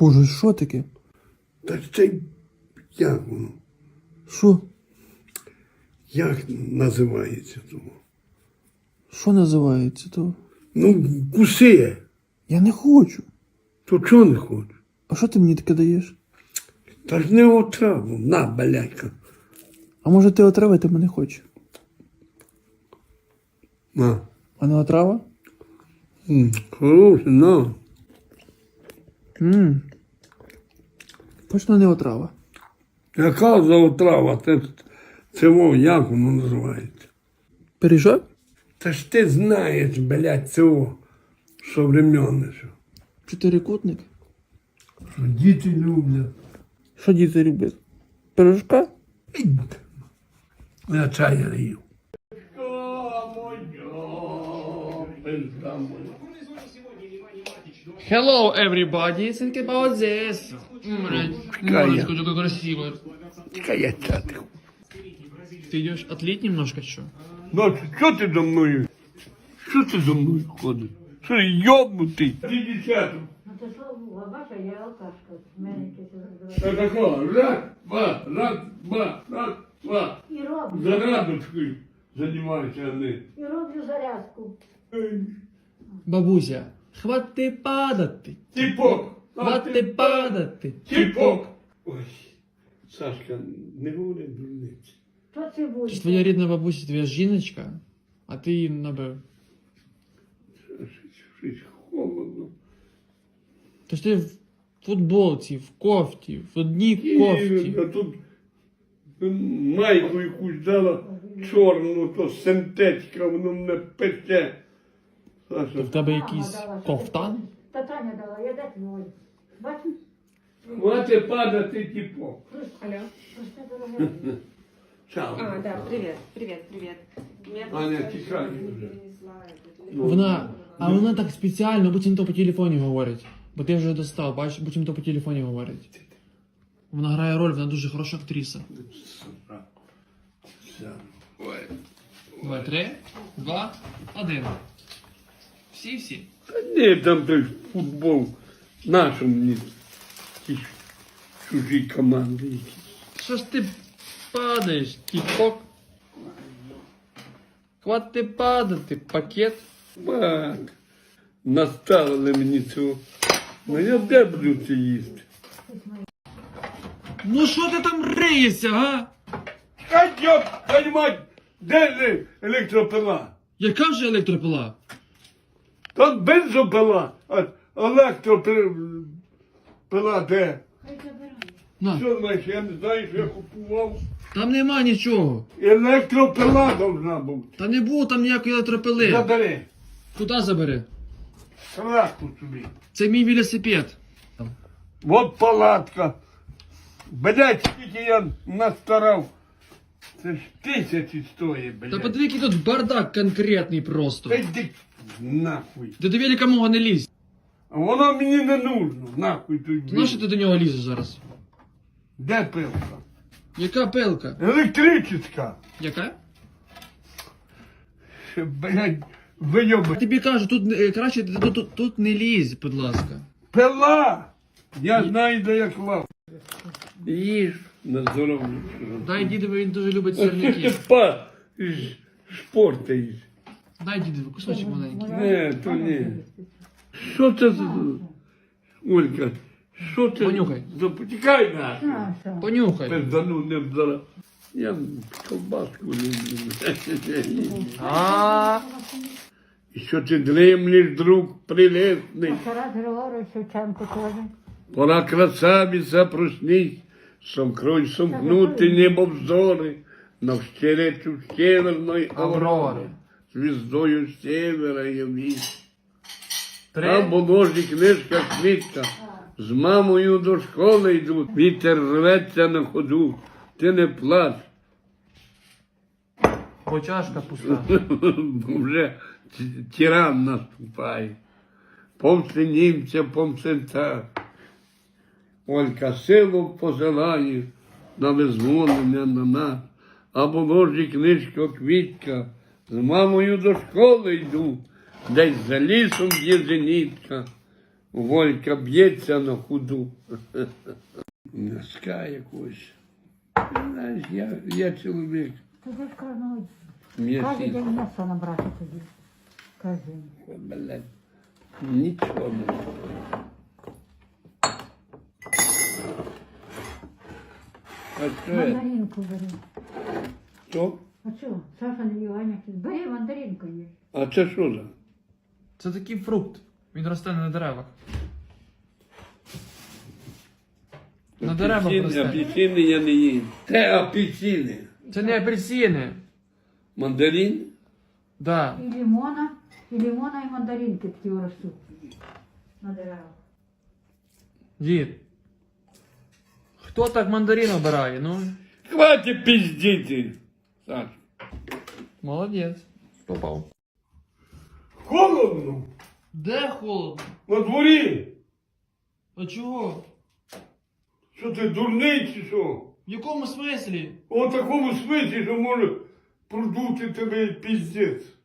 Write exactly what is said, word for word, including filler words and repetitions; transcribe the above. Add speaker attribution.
Speaker 1: Боже, що таке?
Speaker 2: Та це як воно?
Speaker 1: Що?
Speaker 2: Як називається того?
Speaker 1: Що називається то?
Speaker 2: Ну, куси.
Speaker 1: Я не хочу.
Speaker 2: То чого не хочеш?
Speaker 1: А що ти мені таке даєш?
Speaker 2: Та ж не отраву. На, баляйка.
Speaker 1: А може ти отравити мене хочеш?
Speaker 2: На.
Speaker 1: А не отрава?
Speaker 2: М, Хороше, на.
Speaker 1: Ммм. Точно не отрава.
Speaker 2: Яка за отрава? Це, це во, як воно називається?
Speaker 1: Пиріжок?
Speaker 2: Та ж ти знаєш, блядь, цього современне. Що
Speaker 1: Чотирикутник?
Speaker 2: Що діти люблять.
Speaker 1: Що діти люблять? Пиріжка?
Speaker 2: Я чай не їв.
Speaker 1: Hello, everybody. Think about this. Морочка, такой красивый.
Speaker 2: Чекай, я чатик.
Speaker 1: Ты идешь отлить немножко, что?
Speaker 2: Ну, що ти за мною? Що ти за мною ходиш? Що ти йобнутий? Ти дівчата.
Speaker 3: Ну то що, бача, я алкашка. В мене якесь
Speaker 2: Та такого, раз, два, раз, два, раз, два.
Speaker 3: І роблю.
Speaker 2: За радочкою займаюся вони.
Speaker 3: І роблю зарядку.
Speaker 1: Бабуся, хвати падати.
Speaker 2: Тіпок.
Speaker 1: Хвати падати.
Speaker 2: Тіпок. Ой, Сашка, не говори дурниці.
Speaker 3: То це буде.
Speaker 1: Це ж твоя рідна бабуся, твоя жіночка, а ти її набив.
Speaker 2: Щось холодно.
Speaker 1: То ж ти в футболці, в кофті, в одній кофті.
Speaker 2: А тут майку якусь дала чорну, то синтетика, воно мене пече.
Speaker 1: То
Speaker 2: Саша,
Speaker 1: в тебе
Speaker 3: Мама
Speaker 1: якийсь
Speaker 3: дала,
Speaker 1: ковтан?
Speaker 3: Та Таня дала, я де твій. Бачиш?
Speaker 2: хвати падати тіпок.
Speaker 3: Алло. Просто дорога.
Speaker 2: Чао.
Speaker 4: А, да, привет, привет, привет. Меня
Speaker 2: Аня,
Speaker 4: просто
Speaker 2: тихай
Speaker 4: жена
Speaker 2: вже.
Speaker 4: перенесла этот
Speaker 1: Вона, а вона так спеціально, буцімто по телефоні говорить. Бо ти вже достав, бачиш, буцімто по телефоні говорить. Вона грає роль, вона дуже хороша актриса.
Speaker 2: Все. Ой.
Speaker 1: Давай, три, два, один. Всі-всі.
Speaker 2: Та ні, там той футбол нашому мені ті чужі команди якісь.
Speaker 1: Що ж ти падаєш, тіпок? Хвати падати, пакет.
Speaker 2: Мак, наставили мені цього. Ну я де буду це їсти?
Speaker 1: Ну що ти там риєшся, га?
Speaker 2: Хай йоп, хай мать, де же електропила?
Speaker 1: Яка вже електропила?
Speaker 2: Тут бензопила, а електропила де?
Speaker 3: Хай забирає.
Speaker 1: На,
Speaker 2: Що знаєш, я не знаю, що я купував.
Speaker 1: там нема нічого.
Speaker 2: Електропила должна бути.
Speaker 1: Та не було там ніякої електропили.
Speaker 2: Забери,
Speaker 1: Куди забери?
Speaker 2: краску собі.
Speaker 1: Це мій велосипед.
Speaker 2: Вот палатка. Блять, скільки я настарав. Це ж тисячі стоїть, блядь.
Speaker 1: Та подиви, який тут бардак конкретний просто.
Speaker 2: Та йди нахуй.
Speaker 1: Ти до велика мого не лізь.
Speaker 2: А воно мені не нужно, нахуй тут.
Speaker 1: Ти нащо ти до нього лізеш зараз?
Speaker 2: Де пилка?
Speaker 1: Яка пилка?
Speaker 2: Електрична.
Speaker 1: Яка?
Speaker 2: Блять, вийоби.
Speaker 1: Тобі кажу, тут е, краще ти тут, тут, тут не лізь, будь ласка.
Speaker 2: Пила! Я знаю, де я клав. Їж на здоров'я.
Speaker 1: Дай дідові, він дуже любить сирники.
Speaker 2: Па, ж- шпортаєш.
Speaker 1: Дай дідові, кусочок маленький.
Speaker 2: Не, то ні. Що це за... Олька, що це?
Speaker 1: Понюхай.
Speaker 2: За... Потікай нахуй.
Speaker 3: Наша.
Speaker 1: Понюхай.
Speaker 2: Пиздану не зараз. Я колбаску люблю.
Speaker 1: А,
Speaker 2: І що ти дремлеш, друг прилесний?
Speaker 3: Тарас Григорович Шевченко теж.
Speaker 2: Пора красавица, проснись, сомкрой сомкнути небо взори, навстречу северной
Speaker 1: Аврори.
Speaker 2: аврори, звездою севера явись.
Speaker 1: три.
Speaker 2: Там положі книжка квітка, з мамою до школи йдуть, вітер рветься на ходу, ти не плач,
Speaker 1: Бо чашка пуста.
Speaker 2: вже ті- тиран наступає. Помси німця, помси так. Олька силу посилає на визволення на нас, а ложі книжка квітка, з мамою до школи йду, десь за лісом є зенітка, Волька б'ється на худу. Носка якось. Знаєш, я, я чоловік.
Speaker 3: Ти ж кожного кожен
Speaker 2: М'ясний.
Speaker 3: день м'ясо набрати тоді. Кожен.
Speaker 2: Блядь, нічого не. А що це?
Speaker 3: Мандаринку бери.
Speaker 2: Що?
Speaker 3: А що? Саша не їв, Аня каже, бери мандаринку їж.
Speaker 2: А це що за?
Speaker 1: Це такий фрукт. Він росте на деревах. На деревах
Speaker 2: Апельсини,
Speaker 1: росте.
Speaker 2: апельсини я не їм. Це апельсини.
Speaker 1: Це не апельсини.
Speaker 2: Мандарин?
Speaker 1: Да.
Speaker 3: І лимона, і лимона, і мандаринки такі ростуть. На деревах.
Speaker 1: Дід. Хто так мандарин обирає? Ну,
Speaker 2: Хватит пиздити. Саш.
Speaker 1: молодець. Попав.
Speaker 2: Холодно.
Speaker 1: Де холодно?
Speaker 2: На дворі.
Speaker 1: А чого?
Speaker 2: Що ти дурний чи що?
Speaker 1: В якому смислі?
Speaker 2: У такому смислі, що може продути тебе піздець.